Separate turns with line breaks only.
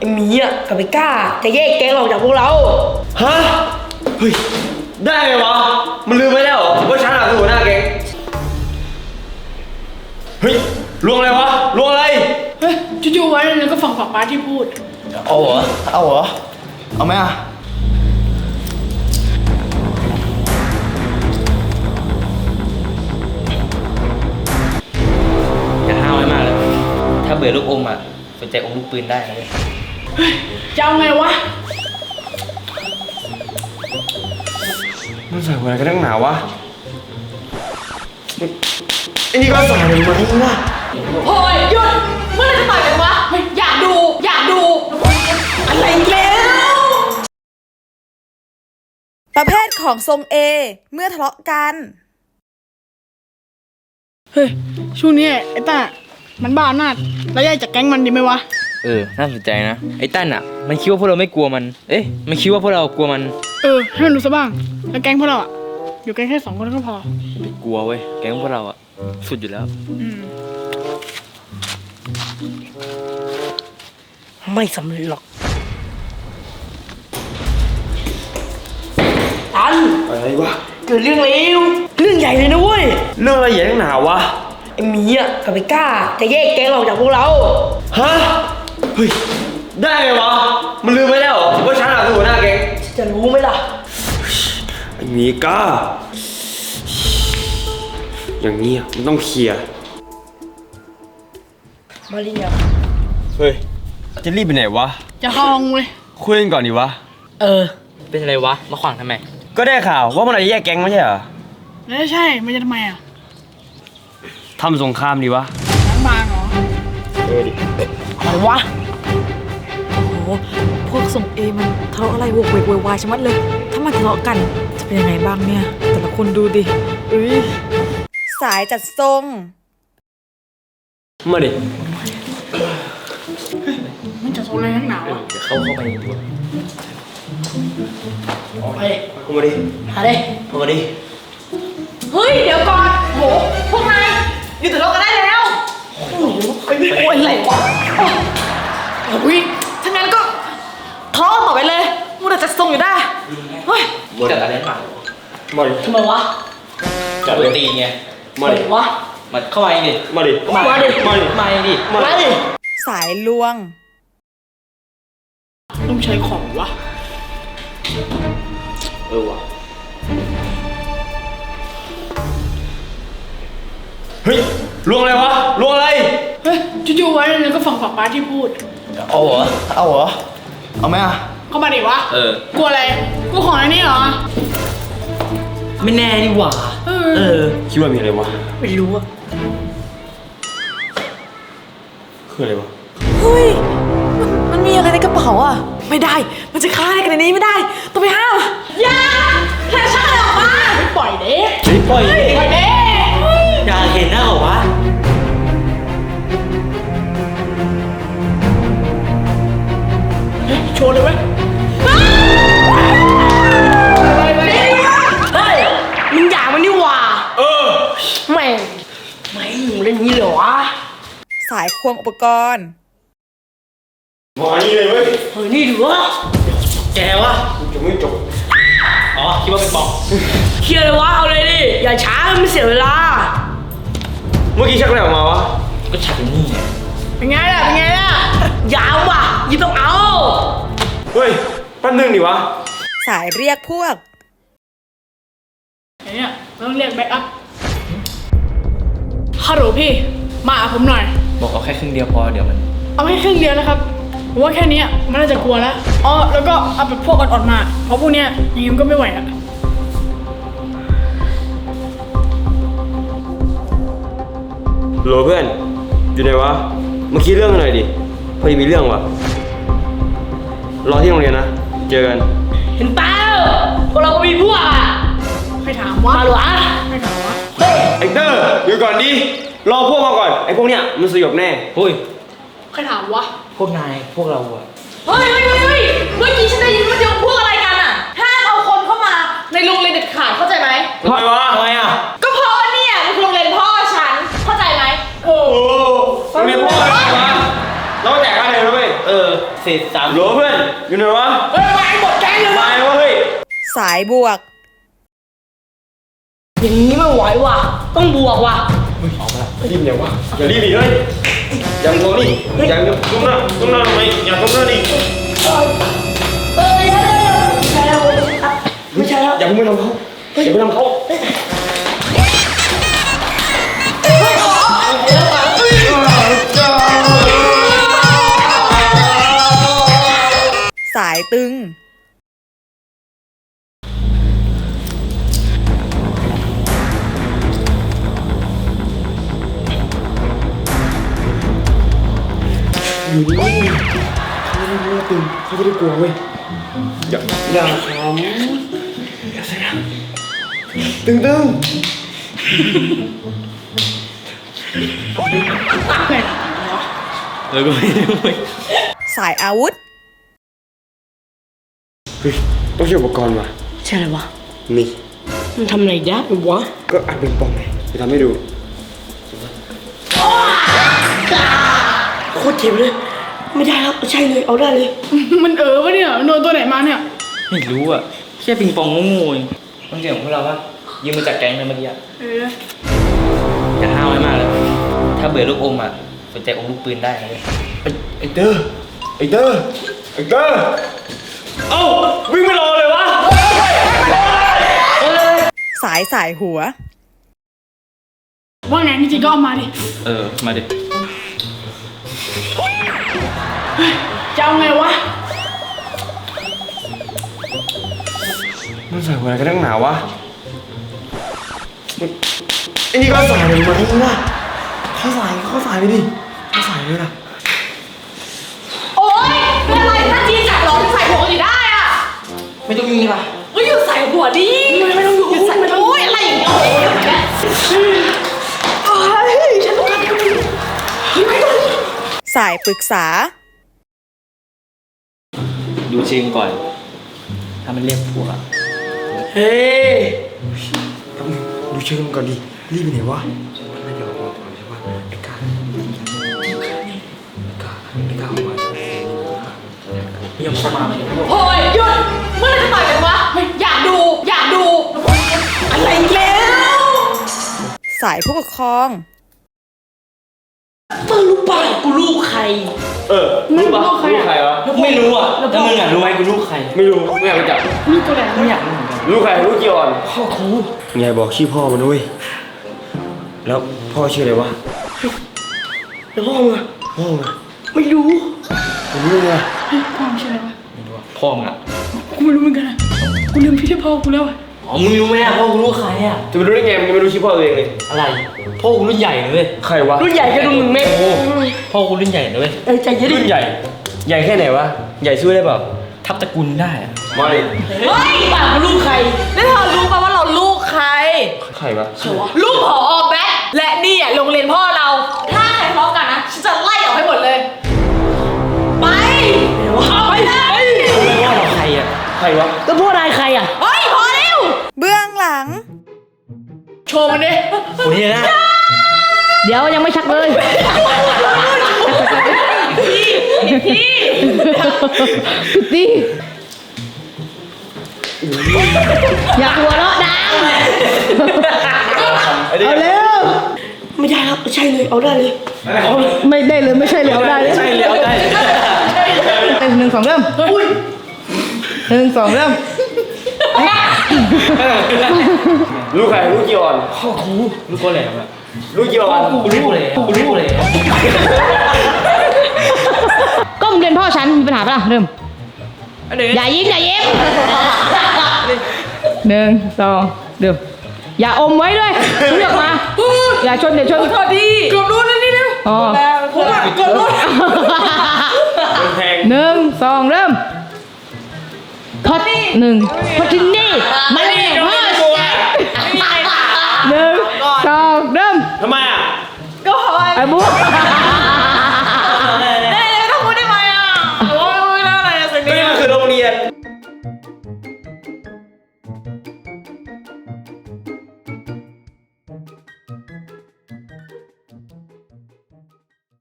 อ้หมีอ่ะกับไอ้ก้าจะแยกแก๊งออกจากพวกเรา
ฮะเฮ้ยได้ไงวะมันลืมไปแล้วว่าฉันคือหัวหน้าแก๊งเฮ้ยลวงอะไรวะลวงอะไร
เฮ้ยจู่ๆไว้แล้วก็ฟังป้าที่พูด
เอาเหรอเอาไหมอ่ะ
อย่าห้าวไว้มากเลยถ้าเบื่อลูกอมอ่ะสนใจอมลูกปืนได้นะเลย
เฮ้ยจะเอาไงวะ
มันใส่หัวอะไรกันตั้งหนาวะไอ้นี่ก็ใส่เลยมาทิ้งวะ
โอ้ยหยุดเมื่อไรจะต่อยกันวะเฮ้ยอยากดูอะไรแล้ว
ประเภทของทรงเอเมื่อทะเลาะกัน
เฮ้ยช่วงนี้ไอ้ต้ามันบ้าอำนาจแล้วแยกจากแก๊งมันดีไหมวะ
น่าสนใจนะไอ้ตั้นอ่ะมันคิดว่าพวกเราไม่กลัวมันมันคิดว่าพวกเรากลัวมัน
ให้มันรู้ซะบ้างแล้วแก๊งพวกเราอ่ะอยู่กันแค่2 คนก็พอ
ไม่กลัวเว้ยแก๊งพวกเราอ่ะสุดอยู่แล้ว
ไม่สำเร็จหรอกตัน
อะไรวะ
เกิดเรื่องเลวเรื่องใหญ่เลยนะเว้ย
เรื่องอะไรใหญ่ตั้งหนาวะ
ไอ้หมีอ่ะกับไอ้ก้าจะแยกแก๊งออกจากพวกเรา
ฮะเฮ้ยได้ไงวะมันลืมไปแล้วว่าฉันคือหัวหน้าแก๊ง
จะรู้ไหมล่ะ
ไอ้หมีก้าอย่างนี้มันต้องเคลียร์
มาเรีย
เฮ้ยจะรีบไปไหนวะ
จะเข้าห้องเลย
คุยกันก่อนดิวะ
เป็นอะไรวะมาขวางทำไม
ก็ได้ข่าวว่ามันจะแยกแก๊งไม่ใช่เหรอ
แล้วใช่มันจะทำไมอ่ะ
ทำสงครามดีวะ
ล้างบางเหรอ
ดิ
อะไรวะ
โอ้โหพวกทรงเอมันทะเลาะอะไรโวกเวกโวยวายชะมัดเลยถ้ามันทะเลาะกันจะเป็นยังไงบ้างเนี่ยแต่ละคนดูดิสายจัดทรง
มาดิ
มันจะโซนอะไรทั้งหนาวะ
จะเข้าไปดีกว่า
เฮ้ย
เข้ามาดิ
หาดิ
เข้ามาดิ
เฮ้ยเดี๋ยวก่อนโหพวกนายอยู่แต่โลกกันได้แล้ว
โอ้ยอะไรวะ
อุ้ยถ้างั้นก็ทะเลาะต่อไปเลยมูแต่จะทรงอยู่ได้เฮ้ย
จัดอะไรมา
มาดิ
ทำไมวะ
จัดตีไง
มาดิ
วะ
มาเข้ามาดิ
มาดิ
สายลวง
ต้องใช้ของวะ
วะเฮ้ยลวงอะไรวะลวงอะไร
เฮ้ยจู่ๆไว้แล้วก็ฟังป้าที่พูด
เอาเหรอเอาไหมอ่ะ
เข้ามาดิวะกลัวอะไรกลัวของอันนี้เหรอ
ไม่แน่นี่หว่า
คิดว่ามีอะไรวะ
ไม่รู้อะ
คืออะไรวะ
เฮ้ยมันมีอะไรในกระเป๋าอ่ะไม่ได้มันจะฆ่าอะไรกันในนี้ไม่ได้ต้องไปห้าม
อย่าแค่ช่างออกมาไม่ปล่อยเด้
ปล่อย
เด้
อยากเห็นหน้าเหรอวะ
โชว์เลยเว้ย
เฮ้ยมึงอยากมันนี่หว่าแม่งเล่นนี้เหรอวะ
สายควงอุปกรณ์
มานี่เลยเว้ย
เฮ้ยนี่ดูวะ
แกวะ
จะไม่จบ
คิดว่าเป็นปอง
เคลียร์เลยวะเอาเลยดิอย่าช้ามันเสียเวลา
เมื่อกี้ชักอะไรออกมาวะ
ก็ชักนี่
เป็นไงล่ะ
ยาวว่ะยิ่งต้องเอา
เฮ้ยแป๊บนึงดิวะ
สายเรียกพวก
เนี่ยต้องเรียกแบ็คอัพฮัลโหลพี่มาหาผมหน่อย
บอกเอาแค่ครึ่งเดียวพอเดี๋ยวมัน
เอาแค่ครึ่งเดียวนะครับผมว่าแค่นี้มันน่าจะกลัวแล้วแล้วก็เอาแบบพวกอ่อนๆมาเพราะพวกเนี้ยยังไงก็ไม่ไหวอะ
โหลเพื่อนอยู่ไหนวะเมื่อกี้เรื่องอะไรดิพอดีมีเรื่องวะรอที่โรงเรียนนะเจอกัน
เห็นเปล่าพวกเราก็มีพวกอ่ะ
ใครถามวะ
มาหรอ
ไม่ถามวะ
ไอ้เตอร์อยู่ก่อนดิรอพวกมาก่อนไอ้พวกเนี้ยมันสยบแน่
เฮ้ย
ใครถามวะ
พวกนายพวกเราอะ
เฮ้ยเมื่อกี้ฉันได้ยินมันยกพวกอะไรกันอะห้ามเอาคนเข้ามาในโรงเรียนเด็ดขาดเข้าใจไหม
ทำไมวะทำไมอะ
ก็เพราะเนี่ยมันคือโรงเรียนพ่อฉันเข้าใจไหม
โอ้โรงเรียนพ่ออะไรวะเราแจกอะไรเลยเว้ย
เศษสาม
โหลเพื่อนอยู่ไหนวะ
เฮ้ยมาหมดแก๊งเลยวะ
มายวะเฮ้ย
สายบวก
อย่างนี้ไม่ไหวว่ะต้องบวกว่ะ
รีบเนี่ยวะอย่ารีบดิเฮ้ยอย่าโง่นี่อย่าก้มหน้าทำไมอย่าก้มหน้าดิ
เอ้ยไม่ใช่แล้วไม่ใช่แล้ว
อย่าเพิ่งไปทำเขาอย่าไปทำเขา
สายตึง
อยู่นี่เขาจะได้รู้ว่าตึงเขาจะได้กลัวเว้ยอย่าขำอย่าเสียงตึง
แล้วก็ไม่รู้เว้ย
สายอาวุธ
เฮ้ยต้องใช้อุปกรณ์ว่ะ
ใช่เลยวะ
นี่
มันทำอะไรได้วะ
ก็อัดเป็นปองไงจะทำให้ดู
โคตรเจ็บเลย ไม่ได้แล้วใช่เลยเอาได้เลย
มันวะเนี่ยโดนตัวไหนมาเนี่ย
ไม่รู้อ่ะแค่ปิงปองโง่ๆเองต้องเกี่ยวของพวกเราปะยืมมาจากแก๊งเลยเมื่อกี้อะ
เออ
อย่าห้าวไว้มากเลย ถ้าเบื่อลูกอมอ่ะสนใจอมลูกปืนได้นะเลย
ไอ้เตอร์เอ้าวิ่งไม่รอเลยวะ
สายหัว
ว่าไงจริงๆก็เอามาดิ
มาดิ
จะเอาไงวะ
มันใส่หัวอะไรกันนักหนาวะไอ้นี่ก็ใส่เลยมาที่ว่าเขาใส่ไปดิเขาใส่เลยนะ
โอ๊ยเป็นอะไรถ้าจีจับหรอใส่หัวอยู่ได้อะ
ไม่ต้องยุ่งเลยป่ะ
ก็อยู่ใส่หัวดิไม่ต้องอยู่ใส่โอ๊ยอะไรอย่างเงี้ยโอ๊ยฉันต้องการทำไม่ได้
สายปรึกษา
ดูเชิงก่อน ถ้ามันเรียกพวกอะ
เฮ้ย
ดูเชิงก่อนดิรีบไปไหนวะน่าจะออกมาก่อนใช่ปะไอ้กาออกมา
ยังเข้ามาไม่ได้
โอ้ยหยุดเมื่อไหร่จะต่อยกันวะอยากดูอะไรแล้ว
สายผู้ปกครอง
มึงรู้ป่ะกูลูกใคร
ไม่รู้ใคร
ใคร
อะ
วะ
ไม่รู้อ่ะแล้วมึงอ่ะรู้ไหมกูลูกใคร
ไม่รู้ไม่อยากไปจับ
มีตัวไหน
ไม่อยากรู้เหมือนกัน
รู้ใครรู้เกี่ยวอ่อนพ่อครูไงบอกชื่อพ่อมันด้วยแล้วพ่อชื่ออะไรวะ
แล้วพ่อมึงอะ
พ่อมึงอะ
ไม่รู้
ผมรู้ไง
เฮ้ยพ่อมึงชื่ออะไรวะ
ไม่รู้อะพ่อมึงอ่ะ
กูไม่รู้เหมือนกันอะกูลืมพี่ที่พ่อกูแล้วอะ
อ๋อมึงรู้ไหมอ่ะพ่อกูรู้ใครอ่ะ
จะไปรู้ได้ไงมึงยังไม่รู้ชื่อพ่อตัวเองเลย
อะไรพ่อกูรุ่นใหญ่เลย
ใครวะ
รุ่นใหญ่ก็ดูมึงเม็ด
พ่อกูรุ่นใหญ่เลย
ใจเย็นดิ
รุ่นใหญ่ใหญ่แค่ไหนวะใหญ่ช่วยได้เปล่า
ทับตระกูลได้อะ
ไม่
เฮ้ยป่ากูลูกใครแล้วเธอรู้ป่ะว่าเราลูกใคร
ใครวะ
ลูกผอแบ๊กและนี่อ่ะโรงเรียนพ่อเรา ถ้าใครทะเลาะกันนะฉันจะไล่ออกให้หมดเลย ไปเอาไปเลย
รู้ไหมว่าเราใครอ่ะ
ใครวะ
ก็พวกนายใครอ่ะเฮ้ยพอแล้ว
เบื้องหลัง
โชว์มันดิ
คนนี้นะ
เดี๋ยวยังไม่ชักเลยพี่อย่าหัวเราะดังเอาเร็วไม่ได้ครับใช่เลยเอาได้เลยไม่ได้เลยไม่ใช่เลยเอาได้เลย
ใช่เลยเอาได้
หนึ่งสองเริ่มหนึ่งสองเริ่ม
รู้ใครรู้เกี่ยวอ่อน
พ่อครูรู้คนแหลมอ่ะ
รู้เกี่ยวอ่อน
กูรู้เลยกูรู้เลย
ก็มึงเรียนพ่อฉันมีปัญหาปะล่ะเริ่มอย่ายิ้มหนึ่งสองเริ่มอย่าอมไว้ด้วยเลือกมาอย่าชนอย่าชนโทษดี
เกือบรู้นะนี่เนี่ย
อ๋อ
ผมอะเกือบรู้
แพง
หนึ่งสองเริ่มทอดหนึ่งทอดที่นี่มาเลยพ่อหนึ่งสองเริ่ม
ทำไมอ่ะ
ไอ้บุ๊ค